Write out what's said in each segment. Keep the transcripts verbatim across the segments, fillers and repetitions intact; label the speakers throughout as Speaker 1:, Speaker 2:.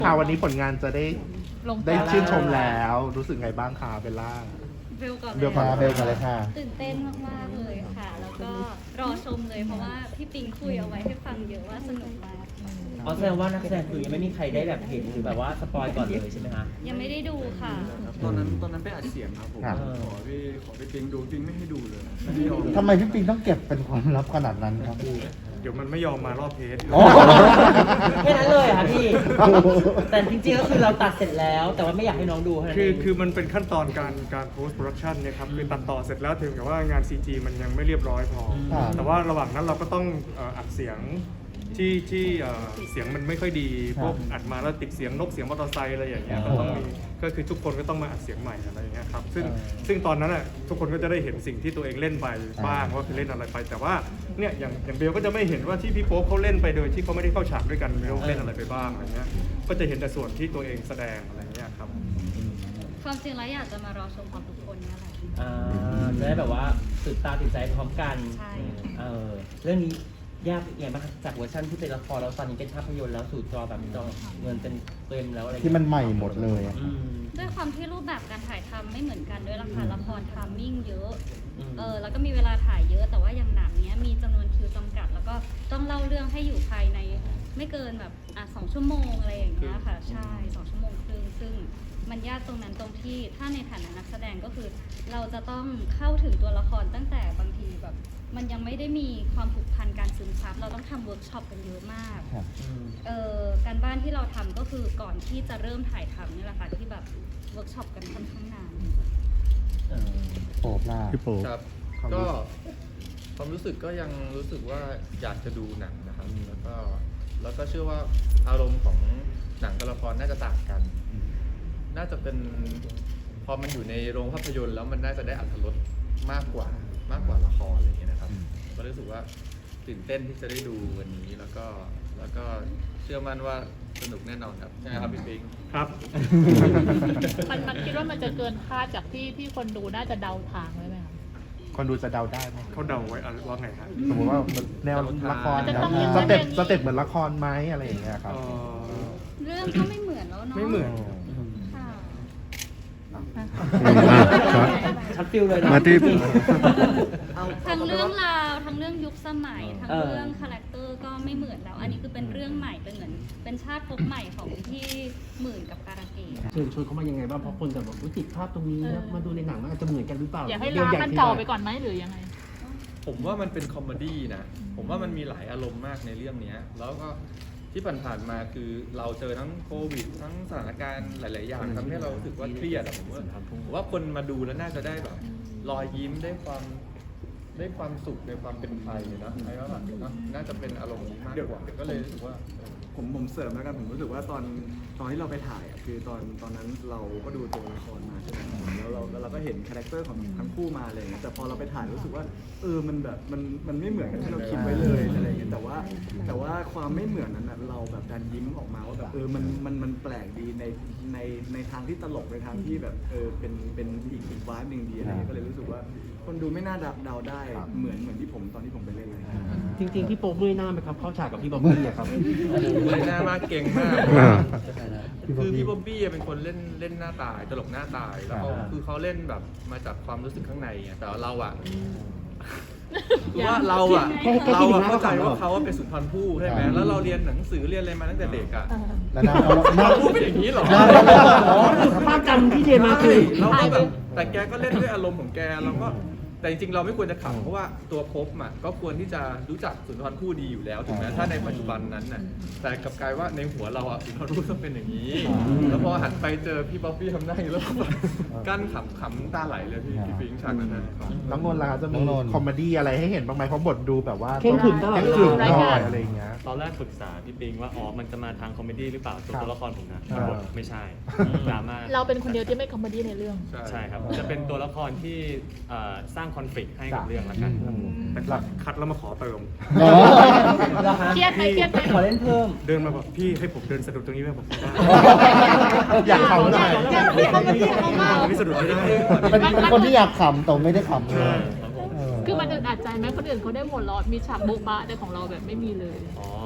Speaker 1: ค่ะวันนี้ผลงานจะได้
Speaker 2: ลง
Speaker 1: ได้ชื่นชมแล้วรู้สึกไงบ้างคะเบลล่า
Speaker 3: เบลก่อน
Speaker 1: เบลก่อน
Speaker 3: เลย
Speaker 1: เบลก่อนเลยค่ะ
Speaker 3: ตื่นเต้นมากๆเลยค่ะ แล้วก็รอชมเลยเพราะว่าพี่ปิงคุยเอาไว้ให้ฟังเยอะว่าสนุกมาก
Speaker 4: อ๋อแสดงว่านักแสดงคือยังไม่มีใครได้แบบเห็นหรือแบบว่าสปอยก่อนเลยใช่ไหมคะ
Speaker 3: ยังไม่ได้ดูค่ะ
Speaker 5: ตอนนั้นตอนนั้นไปอัดเสียงครับผม
Speaker 1: ครับ
Speaker 5: ขอพี่ขอพี่ปิงดูปิงไม่ให้ดูเลยไม่ยอม
Speaker 6: ทำไมพี่ปิงต้องเก็บเป็นความลับขนาดนั้นครับพี่
Speaker 5: เดี๋ยวมันไม่ยอมมารอบเทส
Speaker 6: อ๋อ
Speaker 4: แค่นั้นเลยเหรอค่ะพี่ แต่จริงๆก็คือเราตัดเสร็จแล้ว แต่ว่าไม่อยากให้น้องดูเท่านั้น
Speaker 5: คือ
Speaker 4: เอง
Speaker 5: คือมันเป็นขั้นตอนการการ post production เนี่ยครับคือตัดต่อเสร็จแล้วถึงกับว่างาน ซี จี มันยังไม่เรียบร้อยพอ
Speaker 6: ครับ
Speaker 5: แต่ว่าระหว่างนั้นเราก็ต้องเอ่ออัดเสียงที่ที่เอ่อเสียงมันไม่ค่อยดีพวกอัดมาแล้วติดเสียงนกเสียงมอเตอร์ไซค์อะไรอย่างเงี้ยก็ต้องมีก็คือทุกคนก็ต้องมาอัดเสียงใหม่อะไรอย่างเงี้ยครับซึ่งซึ่งตอนนั้นอ่ะทุกคนก็จะได้เห็นสิ่งที่ตัวเองเล่นไปบ้างว่าคือเล่นอะไรไป แต่ว่าเนี่ยอย่างอย่างเบลก็จะไม่เห็นว่าที่พี่โป๊ปเขาเล่นไปโดยที่เขาไม่ได้เข้าฉากด้วยกันเบลเล่นอะไรไปบ้างอะไรเงี้ยก็จะเห็นแต่ส่วนที่ตัวเองแสดงอะไรเงี้ยครับ
Speaker 3: ความจริงแล้วอยากจะมารอชมความทุกคนเนี่ยแหละ
Speaker 4: อ่าจะได้แบบว่าตื่นตาตื่นใจพร้อมกัน
Speaker 3: ใช่
Speaker 4: เออเรื่องนี้ยากยังไงบ้างคะจากเวอร์ชันที่เป็นละครแล้วตอนนี้เป็นภาพยนตร์แล้วสู่จอแบบจอเงินเป็นเต็มแล้วอะไรอย่าง
Speaker 6: ที่
Speaker 4: เงี้ย
Speaker 6: มันใหม่หมดเลยอะ
Speaker 4: อืม
Speaker 3: ด้วยความที่รูปแบบการถ่ายทำไม่เหมือนกันด้วยละค่ะละครทามมิ่งเยอะ
Speaker 4: อืม
Speaker 3: เออแล้วก็มีเวลาถ่ายเยอะ แต่ว่าอย่างหนังเนี้ยมีจำนวนคิวจำกัด แล้วก็ต้องเล่าเรื่องให้อยู่ภายในไม่เกินแบบอ่ะสองชั่วโมงอะไรอย่างเงี้ยค่ะ ใช่สองชั่วโมงครึ่งซึ่งมันยากตรงนั้นตรงที่ถ้าในฐานะนักแสดงก็คือ เราจะต้องเข้าถึงตัวละครตั้งแต่บางทีแบบ มันยังไม่ได้มีความผูกพันการซึมซับเราต้องทำเวิร์กช็อปกันเยอะมาก
Speaker 6: ครับ
Speaker 4: อืม
Speaker 3: เอ่อการบ้านที่เราทำก็คือก่อนที่จะเริ่มถ่ายทำนี่แหละค่ะที่แบบเวิร์กช็อปกันค่อนข้างนาน
Speaker 4: เออ
Speaker 6: โป๊บล่า
Speaker 1: พี่โป๊ป
Speaker 7: ครับ
Speaker 1: ความรู้
Speaker 7: ก็
Speaker 1: สึก
Speaker 7: ความรู้สึกก็ยังรู้สึกว่าอยากจะดูหนังนะครับ แล้วก็แล้วก็เชื่อว่าอารมณ์ของหนังกับละครน่าจะต่างกัน น่าจะเป็นพอมันอยู่ในโรงภาพยนตร์แล้วมันน่าจะได้อรรถรสมากกว่ามากกว่าละครอะไรอย่างเงี้ยนะครับ ก็รู้สึกว่าตื่นเต้นที่จะได้ดูวันนี้แล้วก็แล้วก็เชื่อมั่นว่าสนุกแน่นอนครับใช่ไหมครับพี่ปิง
Speaker 5: ครับ
Speaker 2: มันมันคิดว่ามันจะเกินคาดจากที่ที่คนดูน่าจะเดาทางไว้ไหมคะ
Speaker 1: คนดูจะเดาได้ไหม
Speaker 5: เขาเดาไว้อะไรว่าไงฮะ
Speaker 1: สมมติว่าแนวละคร
Speaker 2: มันจะต้องมี
Speaker 1: สเต็ป
Speaker 2: อย่างนี้
Speaker 1: สเต็ปเหมือนละครไหมอะไรอย่างเงี้ยครับ
Speaker 5: เอ่อ
Speaker 3: เรื่องก็ไม่เหมือนแล้วเนาะ
Speaker 5: ไม่เหมือน
Speaker 3: ค่ะ
Speaker 4: ชัดฟิลเลยนะ
Speaker 1: มาที่
Speaker 3: ทั้งเรื่องราวทั้งเรื่องยุคสมัยทั้ง
Speaker 4: เออ
Speaker 3: เรื่องคาแรคเตอร์ก็ไม่เหมือนแล้ว อันนี้คือเป็นเรื่องใหม่เป็นเหมือนเป็นชาติภพใหม่ของที่หมื่นกับการะเกด
Speaker 8: เชิญชวนเขามายังไงบ้างเพราะคนจะแบบอุ๊ยติดภาพตรงนี้แล้วมาดูในหนังมันอาจจะเหมือนกันหรือเปล่า
Speaker 2: อยากให้
Speaker 8: เดี๋ว
Speaker 2: ล้าง
Speaker 8: อย
Speaker 2: มัน
Speaker 8: ที่
Speaker 2: เก่า
Speaker 8: ว่
Speaker 2: ไปก่อนไหมหรือยังไง
Speaker 7: ผมว่ามันเป็นคอมเมดี้นะ ผมว่ามันมีหลายอารมณ์มากในเรื่องเนี้ยแล้วก็ที่ผ่านๆมาคือเราเจอทั้งโควิด ทั้งสถานการณ์หลาย ๆ อย่างทำให้เรารู้สึกว่าเครียดอะผมว่าผมว่าคนมาดูแล้วน่าจะได้แบบรอยยิ้มได้ความได้ความสุขในความเป็นไทยนะไอ้ว่าแบบเนอะน่าจะเป็นอารมณ์นี้มากกว่าก็เลยรู้สึกว่า
Speaker 5: ผมผมเสริมแล้วกันผมรู้สึกว่าตอนตอนที่เราไปถ่ายอ่ะคือตอนตอนนั้นเราก็ดูตัวละครมาใช่ไหมแล้วเราแล้วเราก็เห็นคาแรคเตอร์ของทั้งคู่มาอะไรอย่างเงี้ยแต่พอเราไปถ่ายรู้สึกว่าเออมันแบบมันมันไม่เหมือนกับที่เราคิดไว้เลยอะไรอย่างเงี้ยแต่ว่าแต่ว่าความไม่เหมือนนั้นน่ะเราแบบดันยิ้มออกมาว่าแบบเออมันมันมันแปลกดีในในในทางที่ตลกในทางที่แบบเออเป็นเป็นอีกอีกวายหนึ่งดีอะไรเงี้ยก็เลยรู้สึกว่าคนดูไม่น่าเดาได้เหมือนเหมือนที่ผมตอนที่ผมไปเล่นเลย
Speaker 8: จริง ๆ พี่โป๊กเมื่อยหน้าไหมครับเข้าฉากกับพี่บ๊อบบี้อะครับ
Speaker 7: เลยหน้ามากเก่งมาก
Speaker 1: อ่า
Speaker 7: คือพี่บ๊อบบี้เป็นคนเล่นเล่นหน้าตายตลกหน้าตายแล้วเขา
Speaker 4: อ่า
Speaker 7: คือเขาเล่นแบบมาจากความรู้สึกข้างในไงแต่ว่าเราอะคือว่าเราอะ
Speaker 8: แค่แค่
Speaker 7: เรา
Speaker 8: คิดถึ
Speaker 7: อะ
Speaker 8: งหน้า
Speaker 7: เข้าใจ
Speaker 8: ก็ขำแล้ว
Speaker 7: ว่าเขาว่าเป็นสุนทรภู่ใช่ไหม
Speaker 6: ครับ
Speaker 7: แล้วเราเรียนหนังสือเรียนอะไรมาตั้งแต่เด็กอะ
Speaker 6: แล้วหน้าเขาหน้า
Speaker 7: เราพูดเป็นอย่างนี้เหรอ
Speaker 6: หน้า
Speaker 8: อ๋อภาพจำที่เรียนมาคือ
Speaker 7: เราก็แบบแต่แกก็เล่นด้วยอารมณ์ของแกเราก็แต่จริงๆเราไม่ควรจะขำเพราะว่าตัวภพอ่ะก็ควรที่จะรู้จักสุนทรภู่ดีอยู่แล้วถูกไหมถ้าในปัจจุบันนั้นน่ะแต่กลับกลายว่าในหัวเราอ่ะสุนทรภู่ต้องเป็นอย่างนี้ แล้วพอหันไปเจอพี่บ๊อบบี้ทำหน้าอย่างนี้แล้วก็แบบกั้นขำขำน้ำตาไหลเลยพี่พี่ปิงฉากนั้นนะ
Speaker 1: น้องนนท์ล่ะครับจะมี
Speaker 6: น้องนนท์
Speaker 1: คอมเมดี้อะไรให้เห็นบ้างไหมเพราะบทดูแบบว่า
Speaker 8: เข้มขรึมตลอด
Speaker 1: เข้มขรึม
Speaker 2: ราย
Speaker 1: หน่
Speaker 2: กา
Speaker 1: อ
Speaker 2: ร
Speaker 1: ยอะไรอย่างเงี้ย
Speaker 9: ตอนแรกปรึกษาพี่ปิงว่าอ๋อมันจะมาทางคอมเมดี้หรือเปล่าส่วน
Speaker 1: ครับ
Speaker 9: ตัวละครผมนะ
Speaker 1: อ่า
Speaker 9: บทไม่ใช่ดราม่า
Speaker 2: เราเป็นคนเดียวที่ไม่คอมเมดี้ในเรื่อง
Speaker 9: ใช่ครับ จะเป็นตัวละครที่เอ่อสร้างคอนฟ lict ให้กับเรื่องละกันครับ
Speaker 5: แต่คัดคัดแล้วมาขอเติม
Speaker 6: อ๋อ
Speaker 4: เหรอคะ
Speaker 2: เครียดไหมเครียดไหม
Speaker 4: ขอเล่นเพิ่ม
Speaker 5: เดินมาบอกพี่ให้ผมเดินสะดุดตรงนี้ไหมผมได้
Speaker 1: อยากเขาหน่อย
Speaker 2: อยากให้เขามาเที่ยวเขามา
Speaker 5: ไม่สะดุดไม่ได้
Speaker 6: เป็นเป็นคนที่อยากขำแต่ไม่ได้ขำเลย
Speaker 9: ครับผม
Speaker 6: เออ
Speaker 2: คือมันอึดอัดใจไหมคนอื่นเขาได้หมดล้อมีฉากโบ๊ะบะแต่ของเราแบบไม่มีเลย
Speaker 9: อ๋อ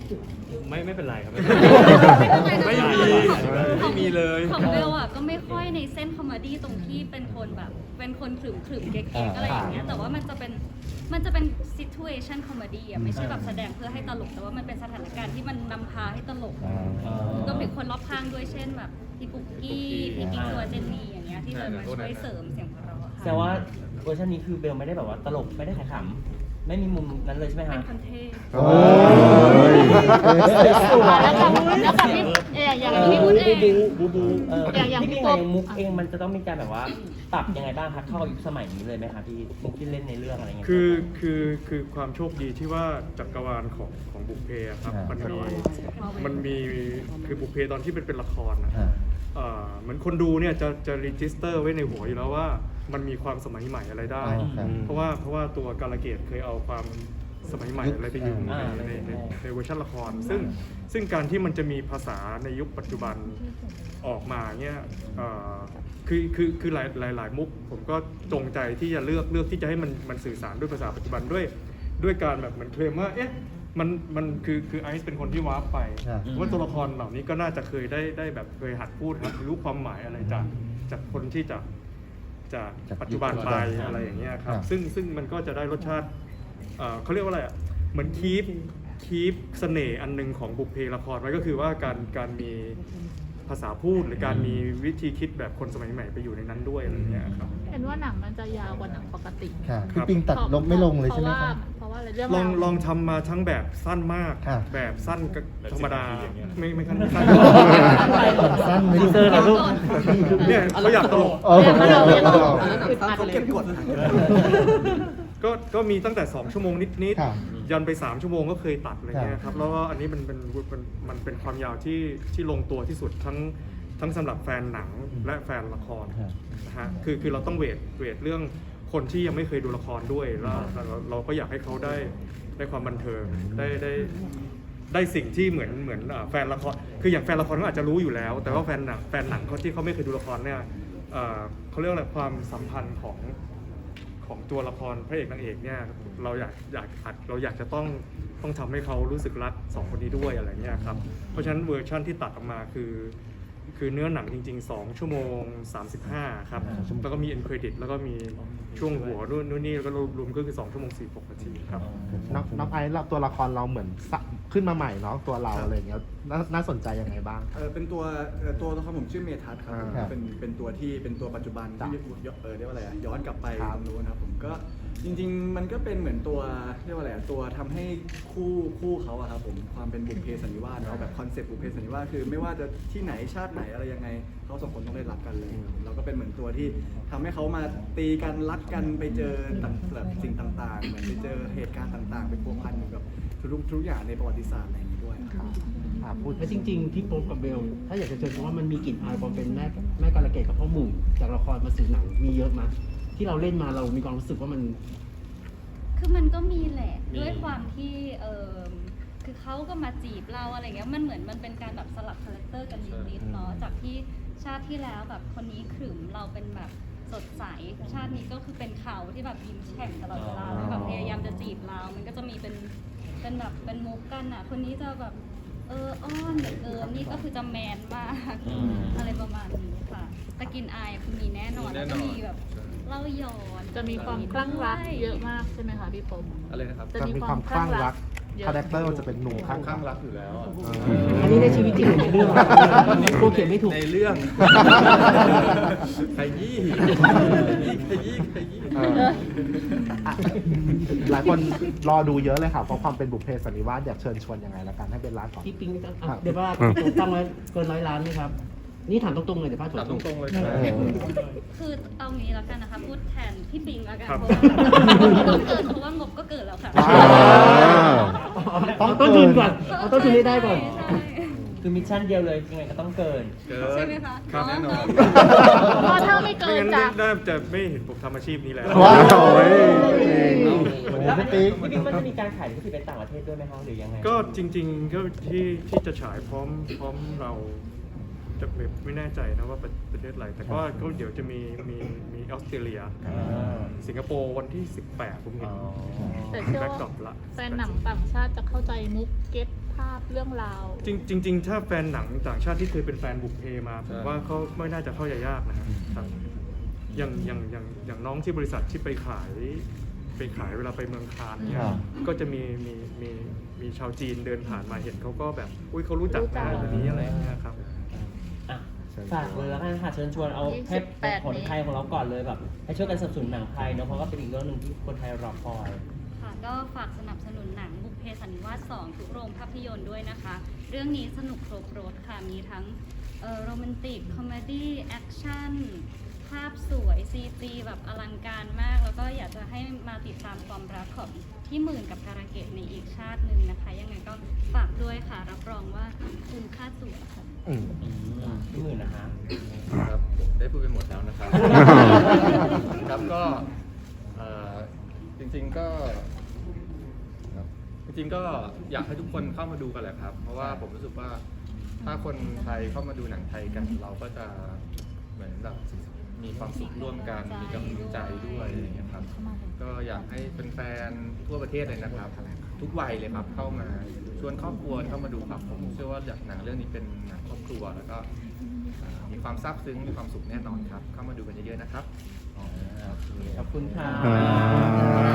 Speaker 9: ไม่ไม่เป็นไรครับ
Speaker 3: ไม่
Speaker 9: ไม่
Speaker 3: เป็นไร
Speaker 9: มี
Speaker 3: นะ
Speaker 9: ไม่มีเลย
Speaker 3: ของเบลอ่ะก็ไม่ค่อยในเส้นคอมเมดี้ตรงที่เป็นคนแบบ เป็นคนขรึมขรึมๆเก๊กๆอะไรอย่างเงี้ยแต่ว่ามันจะเป็นมันจะเป็น situation comedy อ่ะไม่ใช่แบบแสดงเพื่อให้ตลกแต่ว่ามันเป็นสถานการณ์ที่มันนำพาให้ตลกรวมถึงคนรอบข้างด้วยเช่นแบบพี่ปุ๊กกี้พี่กิ๊กตัวเจนนี่อย่างเงี้ยที่จะมาช่วยเสริมเสียงหัวเราะ
Speaker 4: แต่
Speaker 3: ค่ะ
Speaker 4: ว่าเวอร์ชันนี้คือเบลไม่ได้แบบว่าตลกไม่ได้ขายขำไม่มีมุมนั้นเลยใช่ไหม
Speaker 3: เป็
Speaker 4: ฮะ
Speaker 3: นคนเท่
Speaker 6: โอ้ย
Speaker 2: อ่ะแล้วกับแล้วกับพี่เอย่างอย่างพี่พูดเอง
Speaker 4: บูบูเออ
Speaker 2: อย่างอย่าง
Speaker 4: พี่
Speaker 2: พี่
Speaker 4: ปิ๊ง
Speaker 2: ปุ๊
Speaker 4: เอก งมุกเองมันจะต้องมีการแบบว่าปรับยังไงบ้างคะเข้ากับยุคสมัยนี้เลยไหมคะพี่มุกที่เล่นในเรื่องอะไรเงี้ย
Speaker 10: คือคือคือความโชคดีที่ว่าจักรวาลของของบุพเพอะครับ
Speaker 6: อ่ามั
Speaker 10: มันมีมันมีคือบุพเพตอนที่เป็นเป็นละครนะ
Speaker 6: อ่า
Speaker 10: เอ่อเหมือนคนดูเนี่ยจะจะรีจิสเตอร์ไว้ในหัวอยู่แล้วว่ามันมีความสมัยใหม่อะไรได้
Speaker 6: อ๋อครับ
Speaker 10: เพราะว่าเพราะว่าตัวกาลเกตเคยเอาความสมัยใหม่อะไรไปอยู่ใน
Speaker 4: อ่า
Speaker 10: ในในในเวอร์ชันละคร ซึ่งซึ่งการที่มันจะมีภาษาในยุคปัจจุบันออกมาเนี่ยเอ่อคือคือคือหลายหลายหลายมุกผมก็จงใจที่จะเลือกเลือกที่จะให้มันมันสื่อสารด้วยภาษาปัจจุบันด้วยด้วยการแบบเหมือนเคลมว่าเอ๊ะมันมันคือคือไอซ์เป็นคนที่วาร์ปไป
Speaker 6: ครับ
Speaker 10: ว่าตัวละครเหล่านี้ก็น่าจะเคยได้ได้แบบเคยหัดพูดหัดรู้ความหมายอะไรจากจากคนที่จากจาก
Speaker 6: จาก
Speaker 10: ปัจจุบัน
Speaker 6: ยุค
Speaker 10: ไป
Speaker 6: ปัจจุบัน
Speaker 10: อะไรอย่างเงี้ยครับ
Speaker 6: ครับ
Speaker 10: ซึ่งซึ่งมันก็จะได้รสชาติเอ่อเขาเรียกว่าอะไรอ่ะเหมือนคีปคีปเสน่ห์อันหนึงของบุพเพละครไว้ก็คือว่าการการมีภาษาพูดหรือการมีวิธีคิดแบบคนสมัยใหม่ไปอยู่ในนั้นด้วยอะไรเงี้ยครับ
Speaker 2: เห็นว่าหนังมันจะยาวกว่าหนังปกติ
Speaker 6: ค่ะพี่ปิงตัดลงไม่ลงเลยใช่ไหม
Speaker 2: เพราะ
Speaker 6: ค
Speaker 2: ว่า
Speaker 6: รับ
Speaker 2: เพราะว่าอะไรเรื่อง
Speaker 10: ลอง
Speaker 2: ราว
Speaker 10: ลองทำมาทั้งแบบสั้นมาก
Speaker 6: ครับ
Speaker 10: แบบสั้นก็ธรรมดา
Speaker 9: แบบสิบนาทีอย่างเงี้ย
Speaker 10: ไม่ไม่ขั้นสั้น
Speaker 6: สั้นไหม
Speaker 4: ที
Speaker 6: ลูก
Speaker 4: เซอร์เหรอลูก
Speaker 10: เนี่ยเขาอยากตลก
Speaker 6: โอ้โห
Speaker 2: เนี่ยเราเนี่ยเราอึดอัด
Speaker 5: เขา
Speaker 2: เลย
Speaker 5: เก็บกด
Speaker 10: ก็ก็มีตั้งแต่สองชั่วโมงนิด
Speaker 6: ครับ
Speaker 10: ๆยันไปสามชั่วโมงก็เคยตัดอะไรเงี้ยครับแล้วก็อันนี้มันเป็นมันมันเป็นความยาวที่ที่ลงตัวที่สุดทั้งทั้งสำหรับแฟนหนังและแฟนละคร
Speaker 6: ครับ
Speaker 10: นะฮะคือคือเราต้องเวทเวทเรื่องคนที่ยังไม่เคยดูละครด้วยแล้วเราเราก็อยากให้เขาได้ได้ความบันเทิงได้ได้ได้สิ่งที่เหมือนเหมือนอ่าแฟนละครคืออย่างแฟนละครเขาอาจจะรู้อยู่แล้ว แต่ว่าแฟนหนังแฟนหนังเขาที่เขาไม่เคยดูละครเนี่ยเอ่อเขาเรียกว่าอะไรความสัมพันธ์ของของตัวละครพระเอกนางเอกเนี่ยเราอยากอยากอัดเราอยากจะต้องต้องทำให้เขารู้สึกรักสองคนนี้ด้วยอะไรเงี้ยครับเพราะฉะนั้นเวอร์ชั่นที่ตัดออกมาคือ คือเนื้อหนังจริงๆ สอง ชั่วโมง สามสิบห้า ครับ แล้วก็มี end credit แล้วก็มีช่วงหัวนู่นนู่นนี่แล้วก็รวมๆก็คือ สอง ชั่วโมง สี่สิบหก นาทีครับ
Speaker 1: น้องน้องไอซ์เราตัวละครเราเหมือนสะขึ้นมาใหม่เนาะตัวเราอะไรอย่างเงี้ยน่าน่าสนใจยังไงบ้าง
Speaker 5: เออเป็นตัวเอ่อตัวละครผมชื่อเมทัศน์ครับ
Speaker 1: อ่า
Speaker 5: เป็นเป็นตัวที่เป็นตัวปัจจุบัน
Speaker 1: จ้ะ
Speaker 5: ที่เออเรียกว่าอะไรอะย้อนกลับไป
Speaker 1: ครับ
Speaker 5: ตรงนู้นนะครับผมก็จริง ๆ มันก็เป็นเหมือนตัวเรียกว่าอะไรอะตัวทำให้คู่คู่เขาอะครับผมความเป็นบุพเพสันนิวาสเนาะแบบคอนเซ็ปต์บุพเพสันนิวาสคือไม่ว่าจะที่ไหนชาติไหนอะไรยังไงเขาสองคนต้องได้รักกันเลยเราก็เป็นเหมือนตัวที่ทำให้เขามาตีกันรักกันไปเจอต่างแบบสิ่งต่างๆ เหมือนไปเจอเหตุการณ์ต่างๆ เป็นพัวพันอยู่กับทุกๆทุกอย่างในประวัติศาสตร์อะไรอย่างนี้ด้วยครับ
Speaker 1: อ่าพูด
Speaker 8: แล้วจริงๆพี่โป๊ปกับเบล ถ้าอยากจะเชิญเพราะว่ามันมีกลิ่นอายความเป็นแม่แม่กาลเกตกับพ่อหมู่จากละครมาสู่หนังมีเยอะมั้ยที่เราเล่นมาเรามีความรู้สึกว่ามัน
Speaker 3: คือมันก็มีแหละ
Speaker 9: มี
Speaker 3: ด้วยความที่เออคือเขาก็มาจีบเราอะไรเงี้ยมันเหมือนมันเป็นการแบบสลับคาแรคเตอร์กันนิดๆเนาะจากที่ชาติที่แล้วแบบคนนี้ขรึมเราเป็นแบบสดใสชาตินี้ก็คือเป็นเขาที่แบบยิ้มแฉ่งตลอดเวลาแล้วแบบพยายามจะจีบเรา มันก็จะมีเป็นเป็นแบบเป็นมุกกันอ่ะคนนี้จะแบบเอออ้อนเหลือเกินนี่ก็คือจะแมนมากอะไรประมาณนี้ค่ะแต่กลินอายคือมีแน่นอนแล้วก็มีแบบเล่าย้อน
Speaker 2: จะมีความคลั่งรักเยอะมากใช่ไหมคะพี่ปม
Speaker 7: อะไรนะครับ
Speaker 2: จะ
Speaker 1: จะ
Speaker 2: มี
Speaker 1: มีความ ม
Speaker 2: คาวค
Speaker 1: ค
Speaker 2: ลั่
Speaker 1: ลั่
Speaker 2: ง
Speaker 1: ง
Speaker 2: รั
Speaker 1: รั
Speaker 2: ก
Speaker 1: ก
Speaker 2: เยอะ
Speaker 1: คาแรคเตอร์มันจะเป็นหนุ่มคลั่ง
Speaker 7: ข้า
Speaker 1: รั
Speaker 7: ง
Speaker 1: ก
Speaker 7: รักอยู่แล้วอะ
Speaker 8: อันนี้ในชีวิตจริงหรือในเรื่องกลัวเขียนไม่ถูก
Speaker 7: ในเรื่อง ขยี้ขยี้ขยี้
Speaker 1: เอออ่ะหลายคนรอดูเยอะเลยค่ะเพราะความเป็นบุพเพสันนิวาสอยากเชิญชวนยังไงละกันให้เป็นร้านก่อน
Speaker 8: พี่ปิงอ่ะ
Speaker 1: ครับ
Speaker 8: เดี๋ยวว่าตั้งไว้เกินร้อยล้านไหมครับ นี่ถามตรงๆเลยเดี๋ยวพลาด
Speaker 7: ถามตรงๆเลย
Speaker 8: ค
Speaker 7: ค
Speaker 8: รั
Speaker 7: รับ บ
Speaker 3: คือเอางี้แล้วกันนะคะพูดแทนพี่ปิงแล้วกัน
Speaker 10: ครับ
Speaker 3: เพราะว่าเกิดเพราะว่างบก็เกิดแล้วค่ะ
Speaker 1: ว้าว
Speaker 8: เอาต้นทุนก่อนเอาต้นทุนให้ได้ก่อน
Speaker 3: ใช่
Speaker 4: คือมิชชั่นเดียวเลยยังไงก็ต้องเกิน
Speaker 7: เกิ
Speaker 3: ใช่
Speaker 7: น
Speaker 3: ไหมคะ
Speaker 10: ครับแน่นอน
Speaker 2: เพราะถ้าไม่เกิ
Speaker 10: ไม่
Speaker 2: น
Speaker 10: งั้น
Speaker 2: จาก
Speaker 10: น่าจะไม่เห็นผมทำอาชีพนี้แล้ว
Speaker 6: ว้าวโอ้ย
Speaker 4: แล้ว
Speaker 6: พี่ปิ๊ก
Speaker 4: พี่ปิ๊กมันจะมีการขายลิขสิทธิ์ไปต่างประเทศด้วยไหมคะหรือยังไง
Speaker 10: ก็จริงๆก็ที่ที่จะฉายพร้อมพร้อมเราจะไม่ไม่แน่ใจนะว่าประประเทศอะไรแต่ก็ก็เดี๋ยวจะมีมีมีออสเตรเลีย สิงคโปร์วันที่สิบแปดผมเห็น
Speaker 2: แต่เชื่อ
Speaker 10: แบ็ก
Speaker 2: ว่า
Speaker 10: ดรอปละ
Speaker 2: แฟนหนังต่างชาติจะเข้าใจมุกเก็ตภาพเรื่องราว
Speaker 10: จริงจริงๆถ้าแฟนหนังต่างชาติที่เคยเป็นแฟนบุกเพมาผมว่าเขาไม่น่าจะเข้าใจยากนะครับอย่างอย่างอย่างอย่างน้องที่บริษัทที่ไปขายไปขายเวลาไปเมืองคานเนี่ย
Speaker 6: ครับ
Speaker 10: ก็จะมีมีมีมีชาวจีนเดินผ่านมาเห็นเขาก็แบบอุ้ยเขารู้จัก
Speaker 2: รู้จั
Speaker 10: นะ
Speaker 2: ก
Speaker 10: คนนี้อะไรอย่างเงี้ยครับ
Speaker 4: อ่ะฝากเลยแล้วกันค่ะเชิญชวนเอา
Speaker 2: ยี่
Speaker 4: แค่
Speaker 2: สิบแปด
Speaker 4: คนไทยของเราก่อนเลยแบบให้ช่วยกันสนับสนุนหนังไทยเนาะเพราะว่าเป็นอีกเรื่องหนึ่งที่คนไทยรอคอย
Speaker 3: ค่ะก็ฝากสนับสนุนหนังบุพเพสันนิวาสสองทุกโรงภาพยนตร์ด้วยนะคะ เรื่องนี้สนุกครบรถค่ะ มีทั้งเอ่อโรแมนติก คอมเมดี้ แอคชั่น ภาพสวย ซี จี แบบอลังการมาก แล้วก็อยากจะให้มาติดตามความรักของพี่หมื่นกับการะเกดในอีกชาติหนึ่งนะคะ ยังไงก็ฝากด้วยค่ะ รับรองว่าคุ้มค่าตั๋วค่ะ
Speaker 6: อืม
Speaker 4: พี่หมื่นนะคะ
Speaker 7: ครับผมได้พูดไปหมดแล้วนะครับ ครับก็เอ่อจริงๆก็ครับจริงๆก็อยากให้ทุกคนเข้ามาดูกันแหละครับ เพราะว่าผมรู้สึกว่าถ้าคนไทยเข้ามาดูหนังไทยกัน เราก็จะเหมือนแบบมีความสุขร่วมกันมีกำลังใจด้วยอะไรอย่างเงี้ยครับ ก็อยากให้เป็นแฟนๆทั่วประเทศเลยนะครับ ทุกวัยเลยครับเข้ามาชวนครอบครัวเข้ามาดูครับผมเชื่อว่าอยากหนังเรื่องนี้เป็นหนังครอบครัวแล้วก็เอ่อมีความซาบซึ้งมีความสุขแน่นอนครับ เข้ามาดูกันเยอะๆนะครับ
Speaker 4: ขอบคุณค่ะ
Speaker 6: อ่า